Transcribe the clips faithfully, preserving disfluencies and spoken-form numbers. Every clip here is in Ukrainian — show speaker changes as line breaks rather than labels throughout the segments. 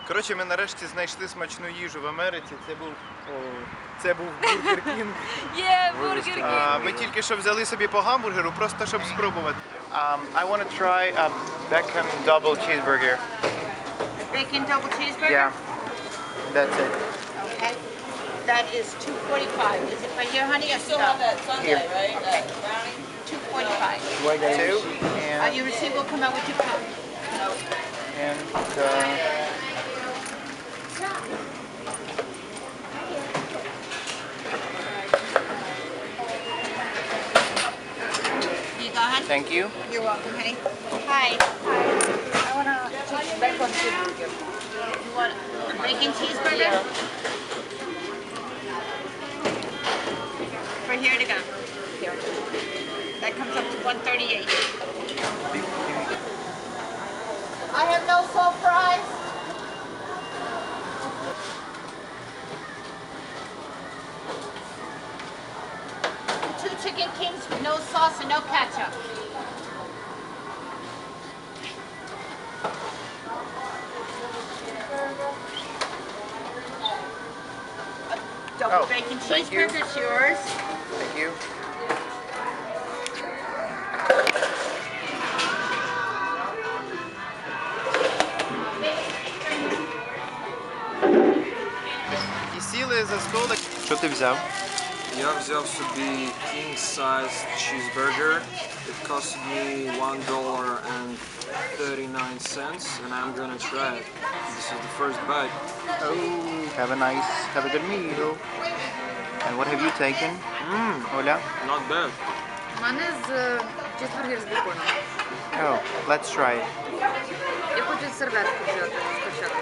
Коротше, ми нарешті знайшли смачну їжу в Америці. Це був, о, це був Бургер Кінг.
Є, Бургер Кінг!
А, Ми тільки що взяли собі по гамбургеру, просто щоб спробувати. Um, I want to try a Beckham double cheeseburger.
Bacon double cheeseburger?
Yeah, that's it.
Okay. That is two forty-five. Is it right here, honey? I still have that
Sunday, right?
Okay. two forty-five.
Two
Uh,
and,
your receipt will come out with your phone.
and uh,
Here you go, honey.
thank you.
You're welcome, honey. Hi. I want a bacon cheeseburger. You want a bacon cheeseburger? For here to go. Here. That comes up to one thirty-eight. I have no salt fries. Two chicken kings with no sauce and no ketchup. A double
Oh,
bacon
thank you.
cheeseburger's yours.
Thank you. І сіли за столик. Що ти взяв?
Я взяв собі king size cheeseburger. It cost me one dollar and thirty-nine cents, and I'm gonna try it. This is the first bite.
Oh, have a nice, have a good meal. And what have you taken?
Mmm,
Оля?
not bad.
У мене з чизбургер з беконом.
Oh, let's try it.
Я хочу серветку взяти спочатку.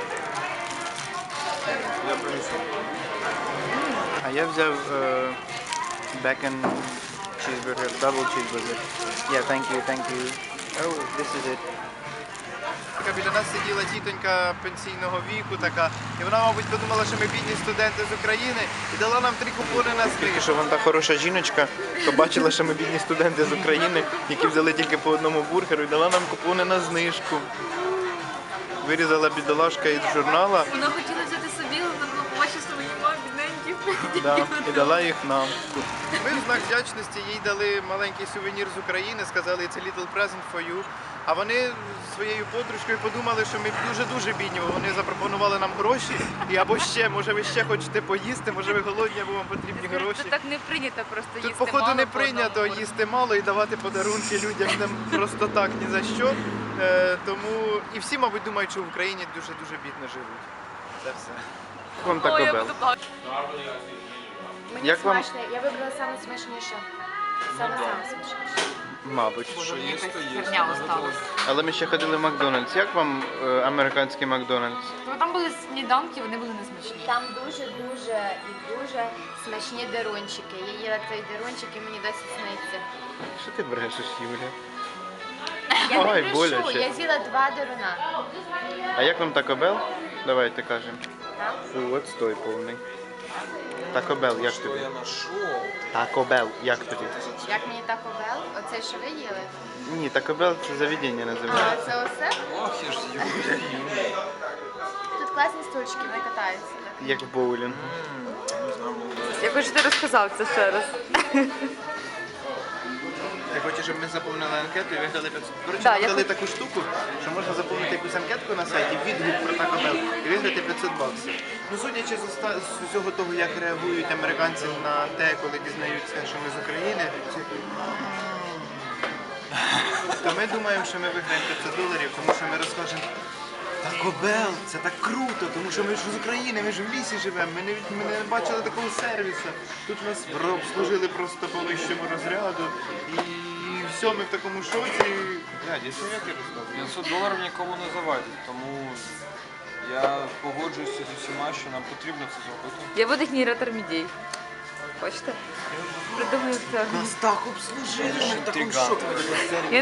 Я принесу.
А я взяв uh, bacon cheeseburger, double cheeseburger. Yeah, thank you, thank you. Oh, this is it. Біля нас сиділа тітонька пенсійного віку така, і вона, мабуть, подумала, що ми бідні студенти з України, і дала нам три купони на знижку. Що вона та хороша жіночка, побачила, що ми бідні студенти з України, які взяли тільки по одному бургеру, і дала нам купони на знижку. Вирізала бідолашка із журнала.
Вона хотіла взяти собі, але вона побачила, що мені мав бідненьких.
Да, і дала їх нам. Ми в знак вдячності їй дали маленький сувенір з України, сказали it's a little present for you. А вони зі своєю подружкою подумали, що ми дуже-дуже бідні, бо вони запропонували нам гроші. І або ще, може ви ще хочете поїсти, може ви голодні, або вам потрібні гроші.
Це так не прийнято просто їсти
Тут, походу,
мало
не
по
прийнято
одному
їсти мало і давати подарунки людям там просто так, ні за що. Е, тому і всі, мабуть, думають, що в Україні дуже-дуже бідно живуть. Це все. Вам
бургеру. Ой, я
Taco Bell.
буду плакати.
Мені
Як вам?
смачно, я вибрала саме смачніше. Саме саме смачніше.
Мабуть.
Що є, то є.
Херня осталась.
Але ми ще ходили в Макдональдс. Як вам е, американський Макдональдс?
Ну, там були сніданки, вони були несмачні.
Там дуже-дуже і дуже смачні дерунчики. Я їла цей дерунчик і мені досі сниться.
Що ти брешеш, Юля?
Я
Ой,
не
боляче.
брешу, я з'їла два деруна.
А як вам Taco Bell? Давайте кажемо.
Так?
Фу, от стой повний. Taco Bell, як
Що
тобі?
я знайшов?
Taco Bell, як тобі?
Як мені Taco Bell? Оцей, що ви їли?
Ні, Taco Bell це заведення
А,
називається.
це оце?
Ох, я ж Юля.
Тут класні стульчики, вони катаються. так.
Як в боулінгу.
Я хочу, ти розказав це ще раз.
Я хочу, щоб ми заповнили анкету і виграли п'ятсот. Коротше,
Да,
нам
я
дали
хочу-
таку штуку, що можна заповнити якусь анкетку на сайті, відгук про Taco Bell і виграти п'ятсот баксів. Ну, судячи з оста- з усього того, як реагують американці на те, коли дізнаються, що ми з України, то ми думаємо, що ми виграємо п'ятсот доларів, тому що ми розкажемо Taco Bell, це так круто, тому що ми ж з України, ми ж в лісі живемо, ми не, від- ми не бачили такого сервісу. Тут нас обслужили просто по вищому розряду і все, ми в такому шоці. Я дійсно як я розказую.
п'ятсот доларів нікому не завадять, тому я погоджуюся з усіма, що нам потрібно це зробити.
Я буду генератор мідей. Хочете? Придумаю це.
Нас так обслужили, ми в такому
Інтригант.
шоці.
Я